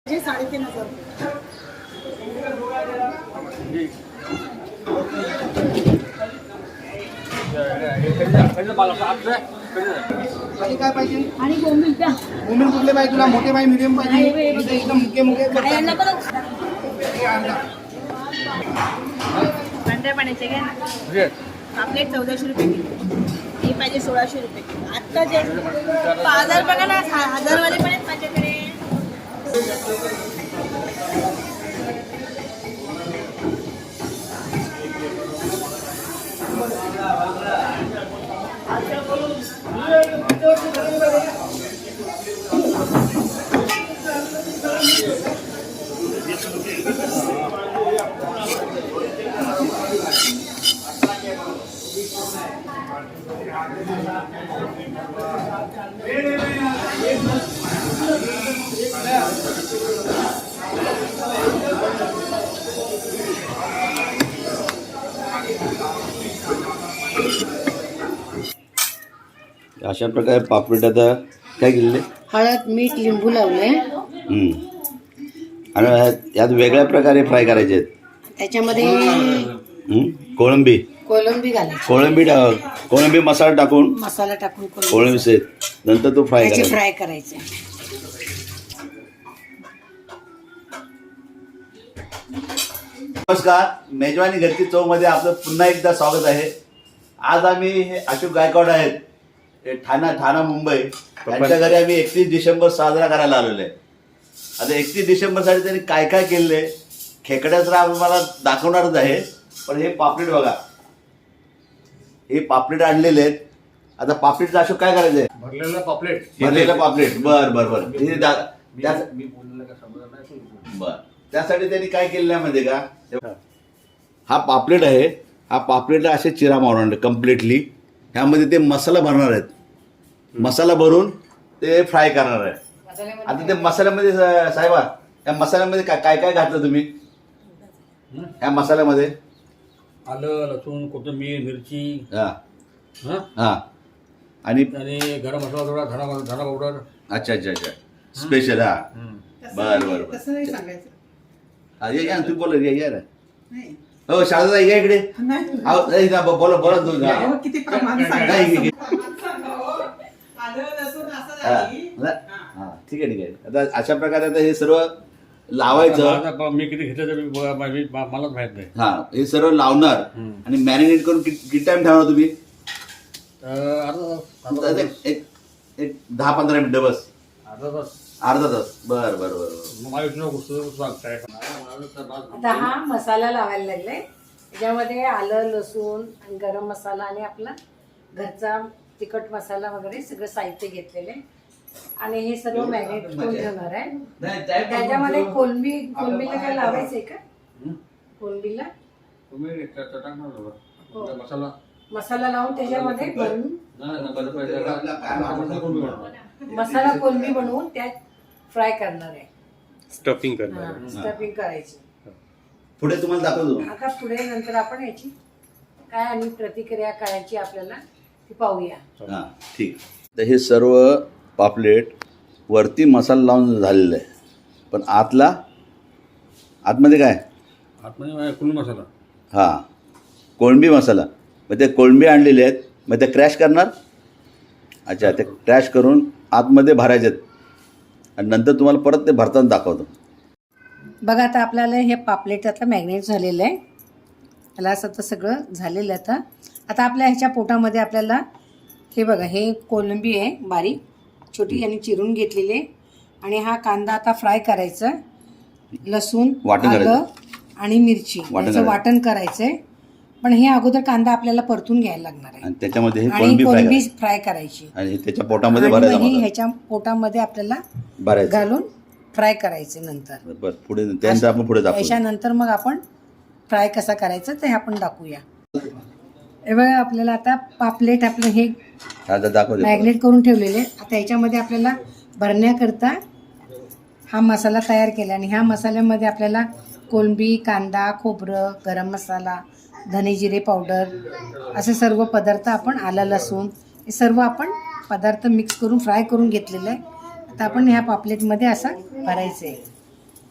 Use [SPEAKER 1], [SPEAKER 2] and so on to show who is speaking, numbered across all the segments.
[SPEAKER 1] 3,500
[SPEAKER 2] आणि काय पाहिजे?
[SPEAKER 1] आणि बोंबील द्या.
[SPEAKER 2] बोंबील कुठले पाहिजे तुला? मोठे पाहिजे, मीडियम पाहिजे? इथे एकदम मुके मुके
[SPEAKER 1] यांना पण
[SPEAKER 2] आणला.
[SPEAKER 1] पांढऱ्या पाण्याचे घ्या ना. पापलेट 1400 रुपये किलो. हे पाहिजे 1600 रुपये किलो. आत्ता जे बाजार बघा ना, 1000 वाले पण आहेत माझ्याकडे.
[SPEAKER 3] अशा प्रकारे पापलेट आता काय केलेले?
[SPEAKER 1] हळद, मीठ, लिंबू लावले.
[SPEAKER 3] आणि यात वेगळ्या प्रकारे फ्राय करायचे आहेत.
[SPEAKER 1] त्याच्यामध्ये
[SPEAKER 3] कोळंबी
[SPEAKER 1] घालायची.
[SPEAKER 3] कोळंबी मसाला टाकून
[SPEAKER 1] मसाला टाकून
[SPEAKER 3] कोळंबी सेट नंतर तो फ्राय करायचा.
[SPEAKER 1] फ्राय करायचे.
[SPEAKER 3] नमस्कार, मेजवानी घरची चव मध्ये आपलं पुन्हा एकदा स्वागत आहे. आज आम्ही हे अशोक गायकवाड आहेत, हे ठाणा मुंबई, त्यांच्या घरी आम्ही 31 डिसेंबर साजरा करायला आलेलो आहे. आता 31 डिसेंबरसाठी त्यांनी काय काय केले खेकड्याचं आम्हाला दाखवणारच आहे. पण हे पापलेट बघा, हे पापलेट आणलेले आहेत. आता पापलेटचं अशोक काय करायचंय? भरलेलं पापलेट. बर त्यासाठी त्यांनी काय केलेलं आहे माहिती का? हा पापलेट आहे. हा पापलेट असे चिरा मारणार कम्प्लिटली. ह्यामध्ये ते मसाला भरणार आहेत. मसाला भरून ते फ्राय करणार आहे. आता ते मसाल्यामध्ये साहेबा, त्या मसाल्यामध्ये काय काय घातलं तुम्ही? ह्या मसाल्यामध्ये
[SPEAKER 4] आलं, लसूण, कोथिंबीर, मिरची,
[SPEAKER 3] हा आणि
[SPEAKER 4] गरम मसाला थोडा, धना पावडर.
[SPEAKER 3] अच्छा स्पेशल. हा बर
[SPEAKER 2] तसं नाही सांगायचं.
[SPEAKER 3] या तुम्ही बोला, या ना. हो शारदा या इकडे. बोला तू.
[SPEAKER 2] किती प्रमाण
[SPEAKER 3] ठीक आहे. आता अशा प्रकारे आता हे सर्व लावायचं.
[SPEAKER 4] मी किती घेतलं मलाच माहित नाही.
[SPEAKER 3] हा, हे सर्व लावणार आणि मॅरिनेट करून किती टाइम ठेवणार तुम्ही? एक 10-15 मिनिटं बस. अर्धा तास. बर.
[SPEAKER 1] आता हा मसाला लावायला लागलाय. त्याच्यामध्ये आलं, लसूण आणि गरम मसाला आणि आपला घरचा तिखट मसाला वगैरे सगळं साहित्य घेतलेले आणि हे सर्व मॅरिनेट करून ठेवणार आहे. त्याच्यामध्ये कोलंबीला काय लावायचंय का? कोलंबीला मसाला लावून त्याच्यामध्ये भरून मसाला कोलंबी बनवून त्यात फ्राय करणार आहे.
[SPEAKER 5] स्टफिंग
[SPEAKER 1] करायची.
[SPEAKER 3] पुढे तुम्हाला दाखवतो.
[SPEAKER 1] आता पुढे नंतर आपण याची काय आणि प्रतिक्रिया करायची आपल्याला ती पाहूया.
[SPEAKER 3] हा ठीक. तर हे सर्व पापलेट वरती मसाला लावून झालेलं आहे. पण आतमध्ये काय?
[SPEAKER 4] आतमध्ये कोळंबी मसाला.
[SPEAKER 3] हा, कोळंबी मसाला. मग ते कोळंबी आणलेले आहेत. मग ते क्रॅश करणार. अच्छा, ते क्रॅश करून आतमध्ये भरायचे आणि नंतर तुम्हाला परत ते भरताना दाखवतो.
[SPEAKER 1] बघा आता आपल्याला हे पापलेट आता मॅग्नेट झालेलं आहे. त्याला असं तर सगळं झालेलं आहे. आता आपल्या ह्याच्या पोटामध्ये आपल्याला हे बघा, हे कोलंबी आहे बारीक छोटी आणि चिरून घेतलेली आहे. आणि हा कांदा आता फ्राय करायचा. लसूण, आलं आणि मिरची याचं वाटण करायचं आहे. पण हे अगोदर कांदा आपल्याला परतून घ्यायला लागणार आहे.
[SPEAKER 3] आणि त्याच्यामध्ये
[SPEAKER 1] कोलंबी फ्राय करायची
[SPEAKER 3] आणि त्याच्या पोटामध्ये भरायचं.
[SPEAKER 1] ह्याच्या पोटामध्ये आपल्याला घालून फ्राय करायचे. नंतर
[SPEAKER 3] पुढे त्यानंतर आपण पुढे दाखवू.
[SPEAKER 1] त्याच्यानंतर मग आपण फ्राय कसा करायचं ते आपण दाखवूया. हे बघा, आपल्याला आता पापलेट आपलं हे मॅग्नेट करून ठेवलेले. आता याच्यामध्ये आपल्याला भरण्याकरता हा मसाला तयार केला आणि ह्या मसाल्यामध्ये आपल्याला कोलंबी, कांदा, खोबरं, गरम मसाला, धने जिरे पावडर असे सर्व पदार्थ आपण, आलं लसूण हे सर्व आपण पदार्थ मिक्स करून फ्राय करून घेतलेलं आहे. आता आपण ह्या पापलेटमध्ये असं भरायचं आहे.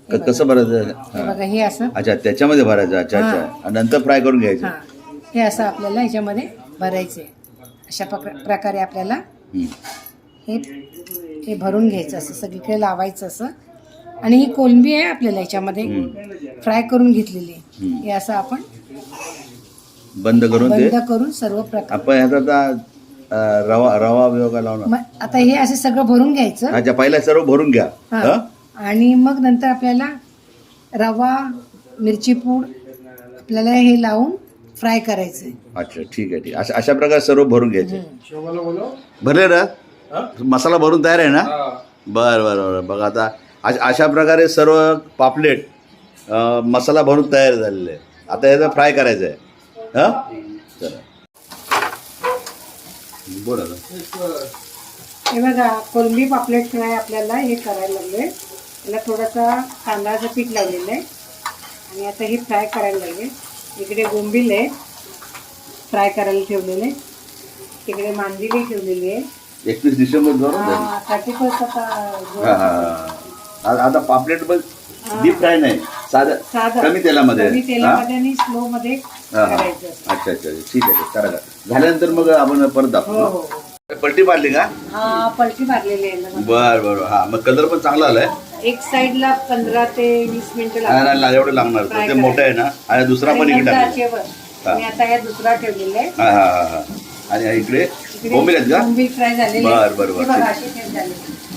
[SPEAKER 3] कसं भरायचं
[SPEAKER 1] हे
[SPEAKER 3] हा.
[SPEAKER 1] बघा हे असं
[SPEAKER 3] अच्छा त्याच्यामध्ये भरायचं अच्छा
[SPEAKER 1] हा.
[SPEAKER 3] अच्छा आणि नंतर फ्राय करून घ्यायचं
[SPEAKER 1] हां हे असं आपल्याला ह्याच्यामध्ये भरायचे अशा प्रकारे आपल्याला
[SPEAKER 3] हम्म.
[SPEAKER 1] हे भरून घ्यायचं असं सगळीकडे लावायचं असं आणि ही कोलंबी आहे आपल्याला ह्याच्यामध्ये फ्राय करून घेतलेली
[SPEAKER 3] हम्म.
[SPEAKER 1] हे असं आपण
[SPEAKER 3] बंद करून ते
[SPEAKER 1] बंद करून सर्व प्रकार
[SPEAKER 3] आपण ह्याचा आता रवा रवा बिवा लावणार
[SPEAKER 1] मग आता हे असं सगळं भरून घ्यायचं
[SPEAKER 3] अच्छा पहिला सर्व भरून घ्या
[SPEAKER 1] हां.
[SPEAKER 3] हा?
[SPEAKER 1] आणि मग नंतर आपल्याला रवा मिरची पूड आपल्याला हे लावून फ्राय करायचं आहे.
[SPEAKER 3] अच्छा ठीक आहे ठीक आहे. अशा प्रकारे सर्व भरून घ्यायचे
[SPEAKER 2] शोभाला बोलव.
[SPEAKER 3] भरले ना मसाला भरून तयार आहे ना बर बर बर बघा आता अशा प्रकारे सर्व पापलेट मसाला भरून तयार झालेले आहे आता याचा फ्राय करायचं आहे हां चला बोला ना.
[SPEAKER 1] हे बघा कोलंबी पापलेट फ्राय आपल्याला हे करायला लागले त्याला थोडासा तांदळाचं पीठ लावलेलं आहे आणि आता हे फ्राय करायला लागले इकडे बोंबील आहे फ्राय करायला ठेवलेले तिकडे मांदिली ठेवलेली आहे
[SPEAKER 3] 31 डिसेंबर बरोबर
[SPEAKER 1] 31
[SPEAKER 3] हां आता पापलेट पण डीप फ्राय नाही साधं
[SPEAKER 1] साधं
[SPEAKER 3] कमी तेलामध्ये
[SPEAKER 1] कमी
[SPEAKER 3] हां?
[SPEAKER 1] तेलामध्ये आणि स्लो मध्ये
[SPEAKER 3] हां, हां.
[SPEAKER 1] करायचं असतं.
[SPEAKER 3] अच्छा अच्छा ठीक आहे करा करा झाल्यानंतर मग आपण परत
[SPEAKER 1] हो
[SPEAKER 3] दाखवू
[SPEAKER 1] हो हो.
[SPEAKER 3] पलटी मारली का
[SPEAKER 1] हा पलटी मारलेली आहे ना.
[SPEAKER 3] बर बर हा मग कलर पण चांगला आलाय
[SPEAKER 1] एक साईडला 15 ते 20 मिनिटं
[SPEAKER 3] नाही,
[SPEAKER 1] लागतात.
[SPEAKER 3] नाही, एवढं लागणार
[SPEAKER 1] Fry
[SPEAKER 3] ते मोठं आहे ना आणि दुसरा पण इकडे टाकला
[SPEAKER 1] आचेवर. आणि आता या दुसरा ठेवलेला आहे
[SPEAKER 3] हा हा हा हा आणि इकडे बोंबील आहेत का
[SPEAKER 1] बोंबील फ्राय झालेले
[SPEAKER 3] बर, बर, बर.
[SPEAKER 1] हे बघा, असे फ्राय झालेले.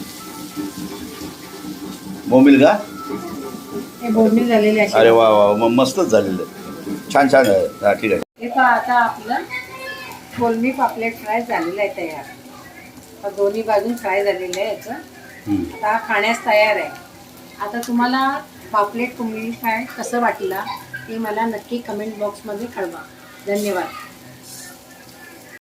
[SPEAKER 3] बोंबील का
[SPEAKER 1] हे बोंबील झालेले असे.
[SPEAKER 3] अरे वा वा मग मस्तच झालेलं आहे. छान छान आहे हा ठीक आहे
[SPEAKER 1] हे पहा आता आपलं कोलंबी पापलेट फ्राय झालेलं आहे तयार आता दोन्ही बाजून फ्राय झालेलं आहे याचं
[SPEAKER 3] हम्म.
[SPEAKER 1] आता हा खाण्यास तयार आहे आता तुम्हाला पापलेट कोलंबी फ्राय कसं वाटलं ते मला नक्की कमेंट बॉक्समध्ये कळवा धन्यवाद